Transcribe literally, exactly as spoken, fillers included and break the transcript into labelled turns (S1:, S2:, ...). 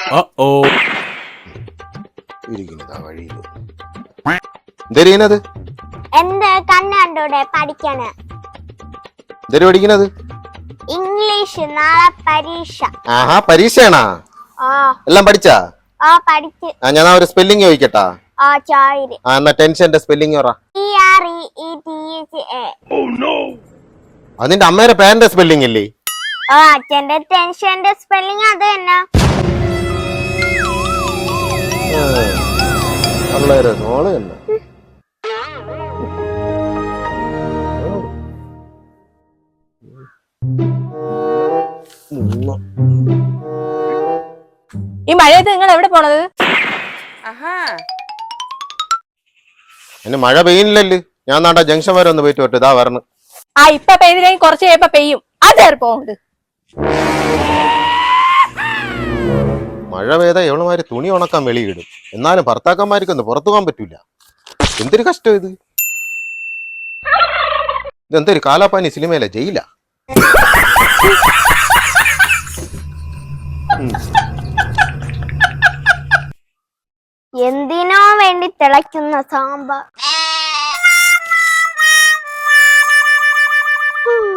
S1: ഇരിക്കുന്നതാ വഴിയിൽ എന്തേരിക്കുന്നത്?
S2: എന്ത് കണ്ണ് കണ്ടൂടെ പഠിക്കാന്?
S1: എന്തേര് പഠിക്കുന്നത്?
S2: ഇംഗ്ലീഷ്, നാളെ പരീക്ഷ.
S1: ആഹാ, പരീക്ഷയാണാ?
S2: ആ
S1: എല്ലാം പഠിച്ചാ?
S2: ആ പഠിച്ച്.
S1: ആ, ഞാൻ ഒരു സ്പെല്ലിംഗ് ചോദിക്കട്ടാ?
S2: ആ ചോയിര്.
S1: ആ, എന്നാ ടെൻഷന്റെ സ്പെല്ലിംഗ് പറ.
S2: T R E E T H A.
S1: അതിന്റെ അമ്മയുടെ പേരന്റെ സ്പെല്ലിംഗ് ഇല്ലേ?
S2: ആ, അച്ഛന്റെ ടെൻഷന്റെ സ്പെല്ലിംഗ് അത് തന്നെ.
S1: വളരെ നോള് തന്നെ.
S3: ഈ മഴയത്ത് നിങ്ങൾ എവിടെ പോണത്?
S1: ഇനി മഴ പെയ്യുന്നില്ലല്ലോ. ഞാൻ നാട്ടാ ജംഗ്ഷൻ വരെ ഒന്ന് പോയിട്ട് വരട്ടെ. ഇതാ വരണം.
S3: ആ, ഇപ്പൊ പെയ്തില്ലെങ്കിൽ കുറച്ച് കഴിയുമ്പോ പെയ്യും. അതേറെ പോകുന്നത്.
S1: മഴ പെയ്താ എവളുമാര് തുണി ഉണക്കാൻ വെളിയിടും. എന്നാലും ഭർത്താക്കന്മാർക്കൊന്ന് പുറത്തു പോകാൻ പറ്റൂല. എന്തൊരു കഷ്ടം ഇത്. ഇതെന്തൊരു കാലാപ്പാനി സിനിമയിലെ ജയില.
S2: എന്തിനോ വേണ്ടി തിളയ്ക്കുന്ന സാമ്പാർ.